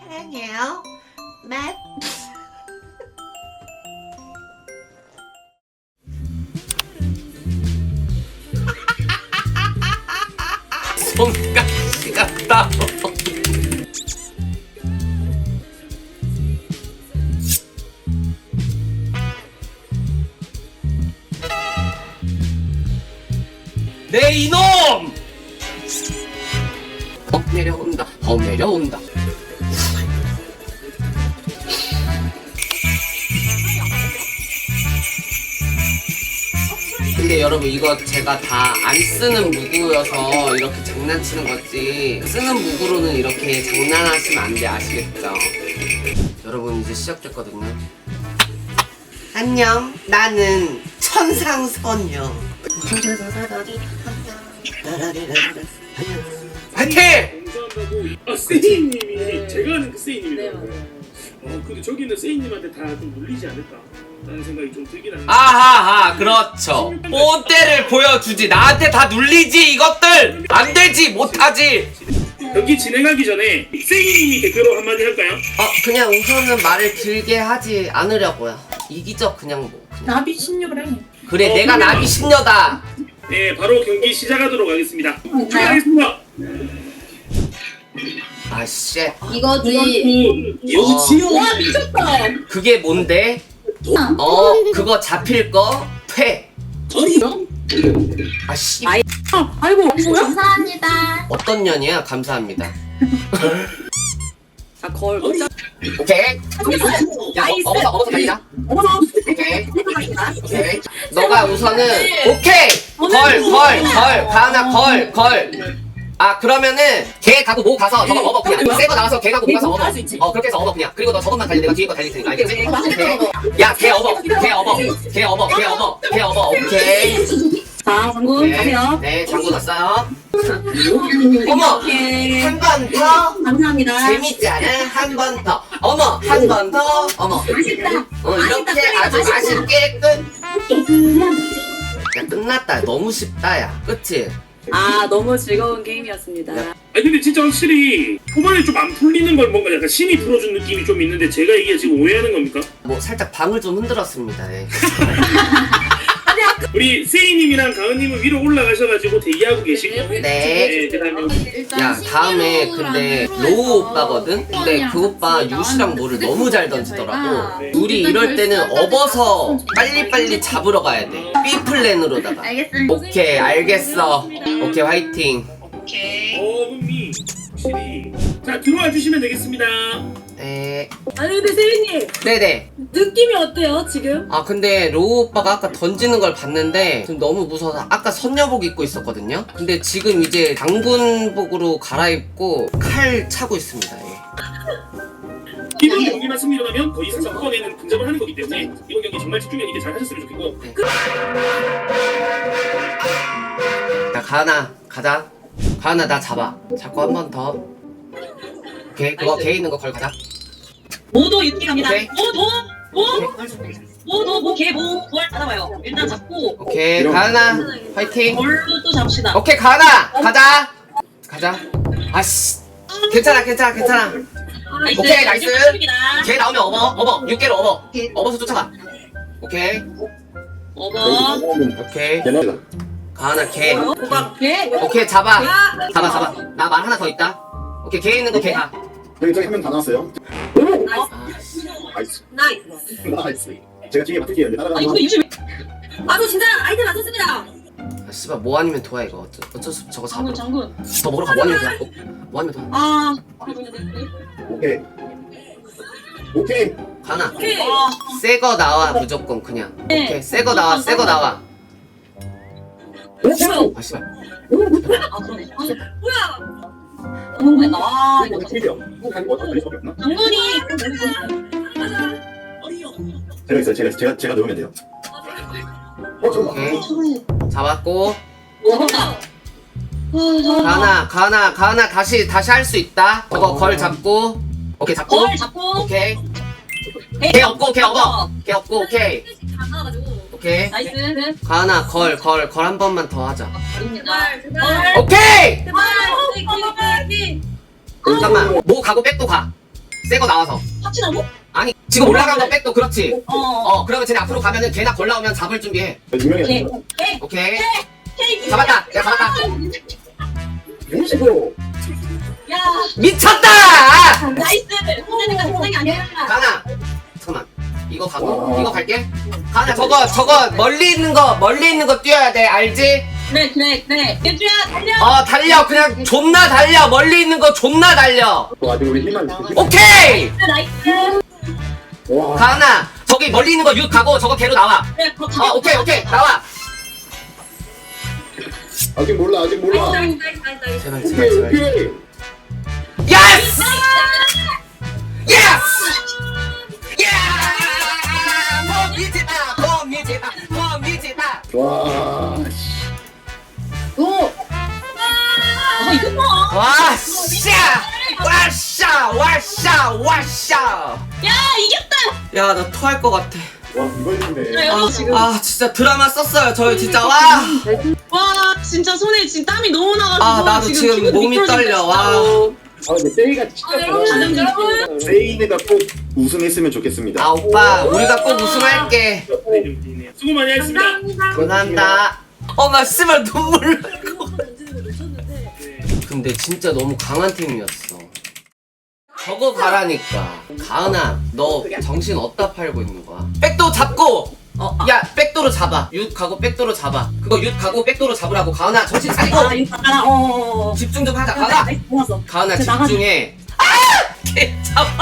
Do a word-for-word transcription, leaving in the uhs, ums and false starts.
사랑해요. 맷. 손가시 같다. 내 이놈! 어 내려온다. 어 내려온다. 근데 여러분 이거 제가 다 안 쓰는 무구여서 이렇게 장난치는 거지, 쓰는 무구로는 이렇게 장난하시면 안 돼. 아시겠죠? 여러분 이제 시작됐거든요. 안녕, 나는 천상소녀. 화이팅! 감사한다고. 아 세이님이 제가 아는 그 세이님이더라고요. 어 근데 저기 있는 세이님한테 다 좀 물리지 않을까 라는 생각이 좀 들긴 하는데. 아하하, 그렇죠. 뽀대를 보여주지. 나한테 다 눌리지 이것들. 안 되지, 못하지. 경기 진행하기 전에 세이님이 댓글로 한마디 할까요? 어 그냥 우선은 말을 길게 하지 않으려고요. 이기적 그냥 뭐 그냥. 나비 신유래. 그래 어, 내가 그러면- 나비 신녀다. 네 바로 경기 시작하도록 하겠습니다. 네. 시작하겠습니다. 아씨, 이거지. 여지요. 와 미쳤다. 그게 뭔데? 어 그거 잡힐 거 퇴. 아씨, 아이. 아이고 뭐야? 감사합니다. 어떤 년이야? 감사합니다. 아 걸. 오케이. 야 어, 어버서 어버서 달리자. 오케이. 오케이. 너가 우선은 오케이. 걸 걸 걸 가나 걸 걸. 아 그러면은 걔 가고 모 가서 저거 업어 그냥. 새거 나와서 걔 가고 모 가서 업어. 어 그렇게 해서 업어 그냥. 그리고 너 저것만 달리 내가 뒤에 거 달릴 테니까 알겠지? 오케이. 야걔 업어 걔 업어 걔 업어 걔 업어 걔 업어. 오케이. 자 장군 가세요. 네 장군 왔어요. 어머 오케이. 한 번 더. 감사합니다. 재밌지 않아? 한 번 더. 어머 한 번 더. 어머. 맛있다. 어 이렇게 아주 맛있게 끝. 야 끝났다. 너무 쉽다 야. 그치? 아 너무 즐거운 게임이었습니다. 아니 근데 진짜 확실히 초반에 좀 안 풀리는 걸 뭔가 약간 신이 풀어준 느낌이 좀 있는데 제가 이게 지금 오해하는 겁니까? 뭐 살짝 방을 좀 흔들었습니다. 예. 우리 세이님이랑 가은님은 위로 올라가셔가지고 대기하고 계시고. 네. 네, 그다음에 야 다음에 근데 로우 오빠거든? 근데 그 오빠 유시랑 뭐를 너무 잘 던지더라고. 우리 이럴 때는 업어서 빨리빨리 잡으러 가야 돼. B 플랜으로다가. 알겠습니다. 오케이 알겠어. 오케이 화이팅. 어금니 확실히. 자 들어와 주시면 되겠습니다. 에. 아니 근데 세리님 네네. 느낌이 어때요 지금? 아 근데 로우 오빠가 아까 던지는 걸 봤는데 지금 너무 무서워서 아까 선녀복 입고 있었거든요. 근데 지금 이제 장군복으로 갈아입고 칼 차고 있습니다. 예. 이번 경기만 승리하면 거의 사건에는 근접을 하는 거기 때문에 이번 경기 정말 집중력 있게 잘 하셨으면 좋겠고. 자 가은아 가자. 가은아 나 잡아. 잡고 한 번 더. 오케이 그거 개 있는 거 걸 가자. 모도 육기 갑니다. 오케이. 모도 모 모도 모개모 부활 받아봐요. 일단 잡고 오케이 가은아 화이팅. 걸로 또 잡읍시다. 오케이 가은아 가자. 가자. 아씨 괜찮아 괜찮아 괜찮아. 나이스. 오케이, 나이스. 이제 끝입니다. 개 나오면 업어 업어 육 개로 업어. 업어서 쫓아가. 오케이 어버 오케이 가은아 개. 호박 개. 오케이 잡아 잡아 잡아. 나 말 하나 더 있다. 오케이 개 있는 거 개 가. 여기 저기 한 명 다 나왔어요. 아씨. 나이스. 나이스. 나이스. 제가 뒤에 맡을게요. 아니 따라가는 근데 유시 왜? 아저 진짜 아이템 맞췄습니다. 아 씨발 뭐 아니면 도야 이거 어쩌, 어쩔 수 없어. 저거 장군 잡으러 장군. 더 먹으러 가뭐 아니면 도야. 어, 뭐 아니면 도야. 아 오케이. 오케이. 가은아 오케이. 새 거 나와 무조건 그냥. 오케이 새 거 나와 새 거 나와. 아 씨발. 아 그러네. 아, 뭐야? 장군 아 이거 팀이요. 한 어떤 분이 수밖에 없나? 장군이 제가 있어요. 제가 제가 제가 넣으면 돼요. 어 저거. 오케이 잡았고. 먹었다. 가은아 가은아 가은아 다시 다시 할 수 있다. 저거 걸 잡고. 오케이 잡고. 걸 잡고 오케이 개 없고 개 업어 개 없고 오케이 다 나와가지고. 오케이 나이스. 가은아 걸 걸 걸 한 번만 더 하자. 제발 제발. 오케이 제발. 잠깐만 뭐 가고 백도 가. 새 거 나와서. 합치라고? 아니 지금 올라간 거 백도 그렇지. 어. 어 그러면 쟤네 앞으로 가면은 걔나 걸 나오면 잡을 준비해. 유명해. 오케이. 오케이. 오케이. 오케이. 잡았다. 내가 잡았다. 용식으로. 야. 미쳤다. 나이스. 혼내니까 동생이 아니야. 가나. 잠깐만. 이거 가고 이거 갈게. 가나 저거 저거 멀리 있는 거 멀리 있는 거 뛰어야 돼. 알지? 그래 그래 그래. 예주야 달려. 어 달려. 그냥 존나 달려. 멀리 있는 거 존나 달려. 어, 아직 우리 힘만. 오케이. 나이스. 와. 가나. 저기 멀리 있는 거 육 가고 저거 걔로 나와. 그래 그렇다. 어 오케이 오케이 나와. 아직 몰라 아직 몰라. 나이스 나이스 나이스 나이스. 제발 오케이 제발 제발. 오케이. 예스! 예스! 예! 못 믿지마, 못 믿지마, 못 믿지마. 와. 오. 아 이거 뭐? 와, 샤! 와, 샤! 와, 샤! 와, 샤! 야 이겼다. 야, 나 토할 것 같아. 와 이거 했네. 그래, 아, 지금. 아, 진짜 드라마 썼어요, 저희 진짜. 와! 와 진짜 손에 지금 땀이 너무 나가지고. 아, 나도 지금 피부도 몸이 미끄러진다, 떨려, 와. 진짜로. 아 근데 세이가 진짜. 아, 여러분, 여러분. 세이가 꼭 우승했으면 좋겠습니다. 아, 오빠, 우리가 꼭 우승할게. 네, 좀 뛰네요. 수고 많이 했습니다. 감사합니다. 감사합니다. 어, 나 씨발 눈물 날 것 같아. 네. 근데 진짜 너무 강한 팀이었어. 저거 가라니까. 가은아, 너 정신 어디다 팔고 있는 거야? 백도 잡고! 어, 야, 백도로 잡아. 윷 가고 백도로 잡아. 그거 윷 가고 백도로 잡으라고. 가은아, 정신 차리고! 아 이거 봐라. 어. 집중 좀 하자. 가은아! 나이스, 고마웠어. 가은아, 저 나가자. 집중해. 아! 개 잡아.